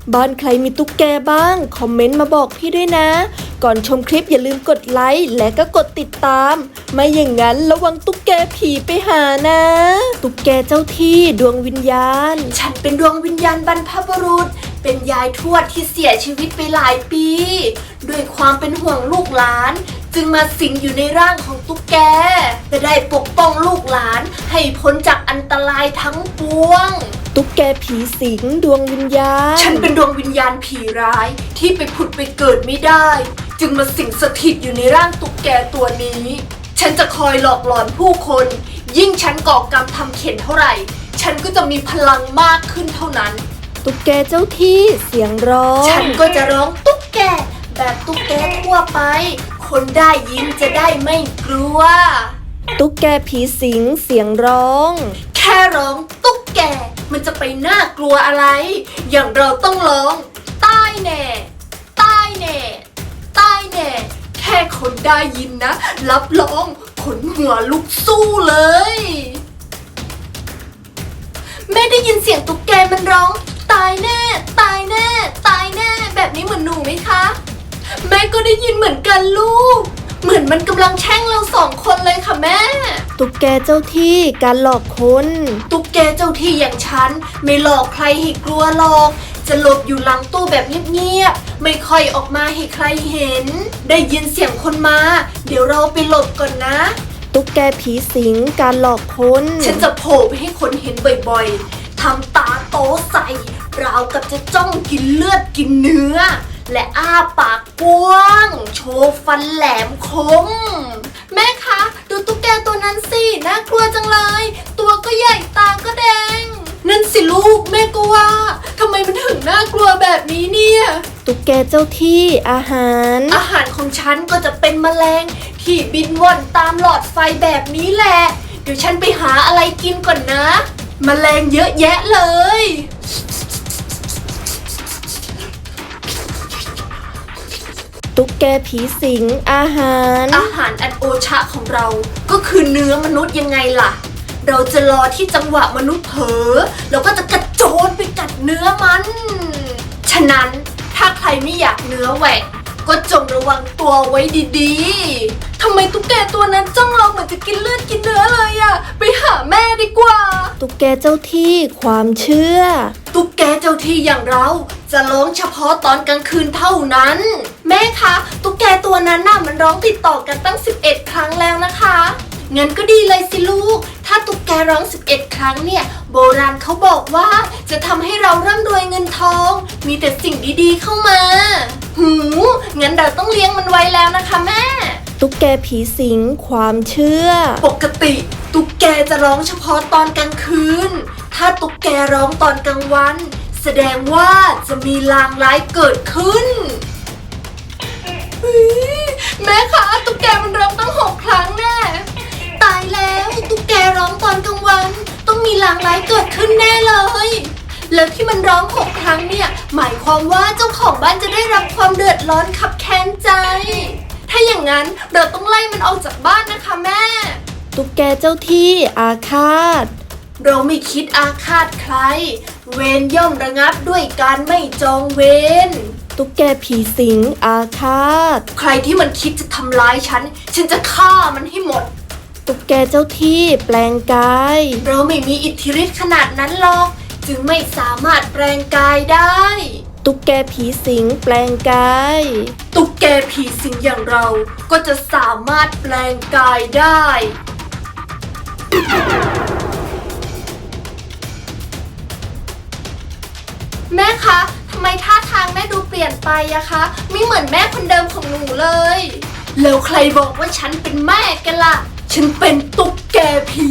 บ้านใครมีตุ๊กแกบ้างคอมเมนต์มาบอกพี่ด้วยนะก่อนชมคลิปอย่าลืมกดไลค์และก็กดติดตามไม่อย่างนั้นระวังตุ๊กแกผีไปหานะตุ๊กแกเจ้าที่ดวงวิญญาณฉันเป็นดวงวิญญาณบรรพบุรุษเป็นยายทวดที่เสียชีวิตไปหลายปีด้วยความเป็นห่วงลูกหลานจึงมาสิงอยู่ในร่างของตุ๊กแกจะได้ปกป้องลูกหลานให้พ้นจากอันตรายทั้งปวงตุ๊กแกผีสิงดวงวิญญาณฉันเป็นดวงวิญญาณผีร้ายที่ไปผุดไปเกิดไม่ได้จึงมาสิงสถิตอยู่ในร่างตุ๊กแกตัวนี้ฉันจะคอยหลอกหลอนผู้คนยิ่งฉันก่อกรรมทำเข็ญเท่าไหร่ฉันก็จะมีพลังมากขึ้นเท่านั้นตุ๊กแกเจ้าที่เสียงร้องฉันก็จะร้องตุ๊กแกแบบตุ๊กแกทั่วไปคนได้ยินจะได้ไม่กลัวตุ๊กแกผีสิงเสียงร้องแค่ร้องตุ๊กแกมันจะไปน่ากลัวอะไรอย่างเราต้องร้องตายแน่ตายแน่ตายแน่แค่คนได้ยินนะรับรองขนหัวลุกสู้เลยแม่ได้ยินเสียงตุ๊กแกมันร้องตายแน่ตายแน่ตายแน่แบบนี้เหมือนหนูไหมคะแม่ก็ได้ยินเหมือนกันลูกเหมือนมันกำลังแช่งเราสองคนเลยค่ะแม่ตุ๊กแกเจ้าที่การหลอกคนตุ๊กแกเจ้าที่อย่างฉันไม่หลอกใครให้กลัวหรอกจะหลบอยู่หลังตู้แบบเงียบๆไม่ค่อยออกมาให้ใครเห็นได้ยินเสียงคนมาเดี๋ยวเราไปหลบก่อนนะตุ๊กแกผีสิงการหลอกคนฉันจะโผล่ไปให้คนเห็นบ่อยๆทำตาโตใส่ราวกับจะจ้องกินเลือดกินเนื้อและอ้าปากกว้างโชว์ฟันแหลมคมแม่คะดูตุ๊กแกตัวนั้นสิน่ากลัวจังเลยตัวก็ใหญ่ตาก็แดงนั่นสิลูกแม่ก็ว่าทำไมมันถึงน่ากลัวแบบนี้เนี่ยตุ๊กแกเจ้าที่อาหารของฉันก็จะเป็นแมลงที่บินว่อนตามหลอดไฟแบบนี้แหละเดี๋ยวฉันไปหาอะไรกินก่อนนะแมลงเยอะแยะเลยตุ๊กแกผีสิงอาหารอันโอชะของเราก็คือเนื้อมนุษย์ยังไงล่ะเราจะรอที่จังหวะมนุษย์เผลอเราก็จะกระโจนไปกัดเนื้อมันฉะนั้นถ้าใครไม่อยากเนื้อแหวกก็จงระวังตัวไว้ดีๆทำไมตุ๊กแกตัวนั้นจ้องเราเหมือนจะกินเลือดกินเนื้อเลยอะไปหาแม่ดีกว่าตุ๊กแกเจ้าที่ความเชื่อตุ๊กแกเจ้าที่อย่างเราจะร้องเฉพาะตอนกลางคืนเท่านั้นแม่คะตุ๊กแกตัวนั้นน่ะมันร้องติดต่อกันตั้ง11 ครั้งแล้วนะคะงั้นก็ดีเลยสิลูกถ้าตุ๊กแกร้อง11 ครั้งเนี่ยโบราณเขาบอกว่าจะทำให้เราร่ำรวยเงินทองมีแต่สิ่งดีๆเข้ามางั้นเราต้องเลี้ยงมันไว้แล้วนะคะแม่ตุ๊กแกผีสิงความเชื่อปกติตุ๊กแกจะร้องเฉพาะตอนกลางคืนถ้าตุ๊กแกร้องตอนกลางวันแสดงว่าจะมีลางร้ายเกิดขึ้นแม่คะตุ๊กแกมันร้องตั้ง6 ครั้งแน่ตายแล้วตุ๊กแกร้องตอนกลางวันต้องมีลางร้ายเกิดขึ้นแน่เลยแล้วที่มันร้อง6 ครั้งเนี่ยหมายความว่าเจ้าของบ้านจะได้รับความเดือดร้อนคับแค้นใจถ้าอย่างนั้นเราต้องไล่มันออกจากบ้านนะคะแม่ตุ๊กแกเจ้าที่อาฆาตเราไม่คิดอาฆาตใครเวรย่อมระงับด้วยการไม่จองเวรตุ๊กแกผีสิงอาฆาตใครที่มันคิดจะทำร้ายฉันจะฆ่ามันให้หมดตุ๊กแกเจ้าที่แปลงกายเราไม่มีอิทธิฤทธิ์ขนาดนั้นหรอกจึงไม่สามารถแปลงกายได้ตุ๊กแกผีสิงแปลงกายตุ๊กแกผีสิงอย่างเราก็จะสามารถแปลงกายได้แม่คะทำไมท่าทางแม่ดูเปลี่ยนไปอะคะไม่เหมือนแม่คนเดิมของหนูเลยแล้วใครบอกว่าฉันเป็นแม่กันล่ะฉันเป็นตุ๊กแกผี